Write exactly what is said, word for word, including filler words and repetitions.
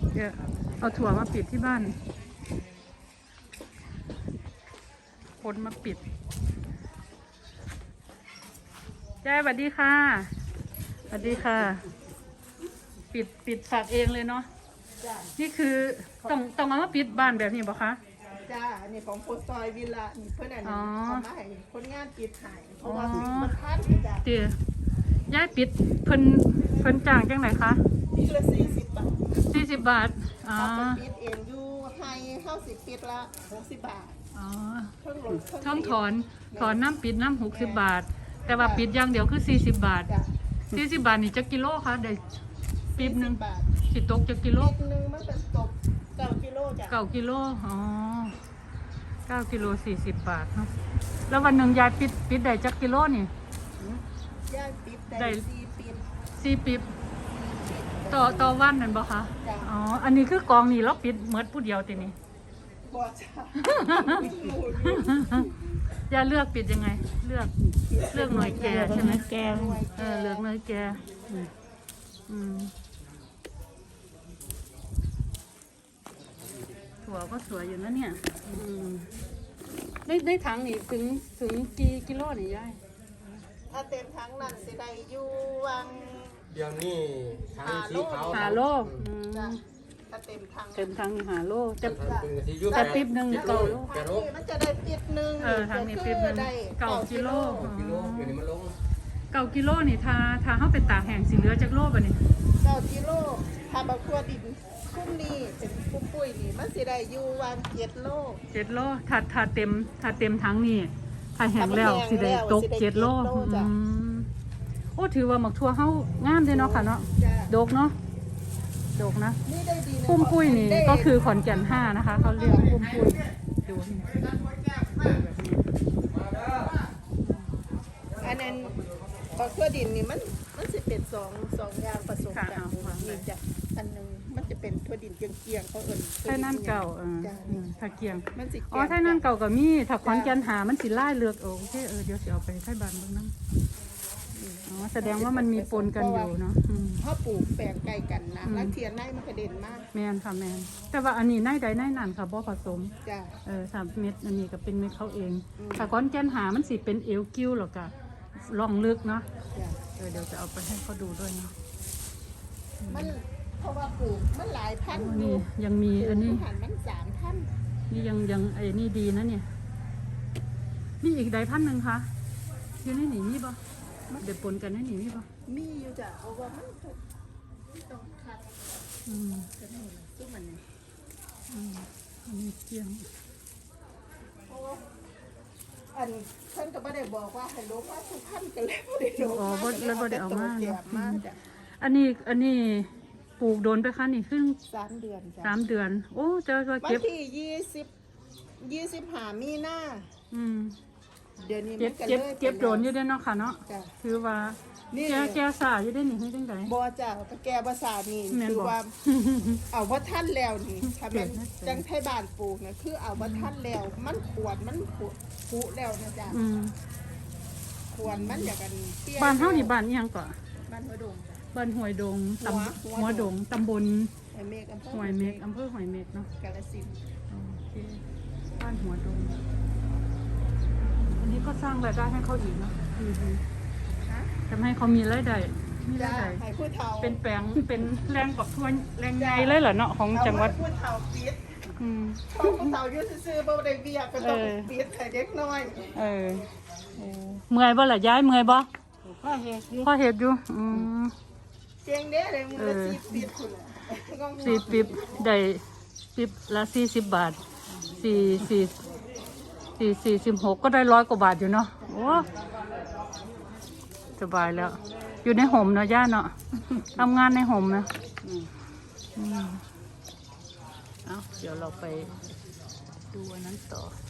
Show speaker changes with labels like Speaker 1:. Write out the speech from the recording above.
Speaker 1: เดี๋ยวเอาถั่วมาปิดที่บ้านคนมาปิดยายสวัสดีค่ะสวัสดีค่ะ ปิดปิดฝากเองเลยเนาะนี่คือต้องต้องเอามาปิดบ้านแบบนี้ป่ะคะ
Speaker 2: จ้าอันนี้ของโพสซอยวิลล่านี่เพื่อนอันนี้เอามาให้คนงานปิดหายเพราะว่าปิดมันทันจ้ะ
Speaker 1: เดี๋ยวย้ายปิดเพิ่นเพิ่นจ้างจังไหนคะ
Speaker 2: ปีละสี่สิบบาท
Speaker 1: สี่สิบบาทอ๋อ
Speaker 2: ปิดเองอยู่ให้เข้าสิบปิดละหกสิบบาท
Speaker 1: อ๋อช่องถอนถอนน้ำปิดน้ำหกสิบบาทแต่ว่าปิดอย่างเดียวคือสี่สิบบาทสี่สิบบาทนี่จะกิโลคะได้ปีบหนึ่งสิตกจะกิโล
Speaker 2: ปีหนึ่งมันเป็นตกเก้ากิโลจ้ะ
Speaker 1: เก้ากิโลอ๋อเก้ากิโลสี่สิบบาทเนาะแล้ววันหนึ่งยายปิดปิดได้จักกิโลนี่
Speaker 2: ยายปิดได้สี่ปิด
Speaker 1: สี่ปิดต่อต่อวันนั่นบ่คะอ๋ออันนี้คือกองนี่เราปิดเมื่อผู้เดียวตีนี่
Speaker 2: บ่จ้ะ
Speaker 1: ยายเลือกปิดยังไงเลือกเลือกหน่วยแก่ใช่ไหม
Speaker 3: แก่
Speaker 1: เออเลือกหน่วยแก่อืมถั่วก็สวยอยู่นะเนี่ยในในถังนี่ถึงถึงกี่กิโลนี่ยาย
Speaker 2: ถ้าเต็มถังนั้นสิได้อยู่วัง
Speaker 4: เดี๋ยวนี้ทางสีขาว
Speaker 1: หาโล
Speaker 2: ถ้าเต็มถัง
Speaker 1: เต็มถังหาโลจะ
Speaker 4: แต่
Speaker 1: ปิ๊บหนึ่งเก้าโล
Speaker 2: มันจะได้ปิ๊บหนึ่ง
Speaker 1: เออถังนี้ปิ๊บหนึ่งเก้ากิโล
Speaker 4: กิโลเดี๋ยวนี้มันลง
Speaker 1: เก้ากิโลนี่ถ้าถ้าเข้าไปตากแห้งสีเหลือจากโลป่ะนี่
Speaker 2: เก้ากิโลทำบะครัวดินคุ้มนี่เป็นปุ้มปุ้ยนี่มันสิได้อยู่วันเจ็ดโล
Speaker 1: เจ็ดโลถ้าถ้าเต็มถ้าเต็มทั้งนี่ถ้าแห้งแล้วสิได้ตกเจ็ดโลโอ้ถือว่าหมักทั่วเข้างามเลยเนาะค่ะเนาะดกเนาะดกนะปุ้มปุ้ยนี่ก็คือขอนแก่นห้านะคะเขาเรียกปุ้มปุ้ยดูนี่
Speaker 2: อันนั้นบะครัวดินนี่มันมันสิเป็นสองสองอย่างผสมกันนี่จ้ะอันนึงมันจะเป็นทั่วดินเกียงๆเขาเอิ้น
Speaker 1: ไทยนั่นเก่าเออถ้าเกียงอ๋อไทยนั่นเก่ากับมีถ้าขอนแก่นหามันสิไล่เลือกโอเคเออเดี๋ยวสิเอาไปไทยบ้านเบิ่งนำอ๋อแสดงว่ามันมีปนกันอยู่เนาะ
Speaker 2: เขาปลูกแปลงใกล้กันนะแล้วเทียนไนมันกระเด็นมาก
Speaker 1: แมนค่ะแมนแต่ว่าอันนี้ไนใดไนนั่นค่ะบ่ผสม
Speaker 2: จ้ะ
Speaker 1: เออสามเม็ดอันนี้ก็เป็นเม็ดเขาเองถ้าขอนแก่นหามันสิเป็นเอวกิ้วหรอกค่ะลองลึกเนาะเออเดี๋ยวจะเอาไปให้เขาดูด้วยเนาะ
Speaker 2: มันเพราะว่าปลูกมันหลายพัน
Speaker 1: นี่ยังมีอันนี้
Speaker 2: หันมันสามพัน
Speaker 1: นี่ยังยังไอ้นี่ดีนะเนี่ยนี่อีกใดพันหนึ่งคะอยู่ในหนีนี่ปะเดี๋ยวปนกันในหนีนี่ปะ
Speaker 2: มีอยู่จ้ะเอาว่ามันต้องคัด
Speaker 1: อืม
Speaker 2: ตู้มันนี่
Speaker 1: อืมอันนี้เจียง
Speaker 2: อันท่านก็ไม่ได้บอกว่าให้ลบว่าทุกท่านกันแล้วไม่ได้ลบ
Speaker 1: อ๋อแล้วบ่ได้เอามาอันนี้อันนี้ปลูกโดนไปคะนี่ครึ่ง
Speaker 2: สามเดือน
Speaker 1: สามเดือนโอ้เจอเก็บ
Speaker 2: วันที่ยี่สิบยี่สิบห้ามีนา
Speaker 1: อืม
Speaker 2: เดี๋ยวนี้
Speaker 1: เก็บเก็บเก็บโดนอยู่ได้เนาะค่ะเนาะคือว่าแกแกสาอยู่ได้หนิให้จังได
Speaker 2: บ่จ้ะแกภาษานี่คือว่าเอาว่าท่านแล้วนี่ถ้าเป็นจังไทยบ้านปลูกนะคือเอาว่าท่านแล้วมันขวดมันปุแล้วนะจ๊ะขวดมันอย่างกัน
Speaker 1: บ้านเฮานี่บ้านยังก่อน
Speaker 2: บ้านหัวดง
Speaker 1: บ้านห้วยดงตำหัวดงตำบล
Speaker 2: ห้วยเมฆอำเภอ
Speaker 1: ห้วยเมฆอำเภอห้วยเมฆเนาะ
Speaker 2: กาฬสินธุ์
Speaker 1: โอเคบ้านหัวดงอันนี้ก็สร้างรายได้ให้เขาอีกเนาะทำให้เขามีรายได้มีรายได้เป็นแปลงเป็นแรงกับทวนแรงใหญ่เลยเหรอเนาะของจังหวัด
Speaker 2: ผู้เฒ่าปิดอืมผู้เฒ่าอยู่ซื่อๆบ่ได้เบี้ยก็ต้องปิดให้เด็กน้อย
Speaker 1: เออเมื่อยบ่ล่ะย้ายเมื่อยบ่พ่อเฮ็ดอยู่พ่อเฮ็ดอยู่อืม
Speaker 2: เจียงเด้เลยมือละสี่ปิบคุณ
Speaker 1: สี่ปิบได้ปิบละสี่สิบบาทสี่สี่สี่สี่สิบหกก็ได้ร้อยกว่าบาทอยู่เนาะโอ้สบายแล้วอยู่ในห่มเนาะย่าเนาะทำงานในห่มนะเอาเดี๋ยวเราไปดูอันนั้นต่อ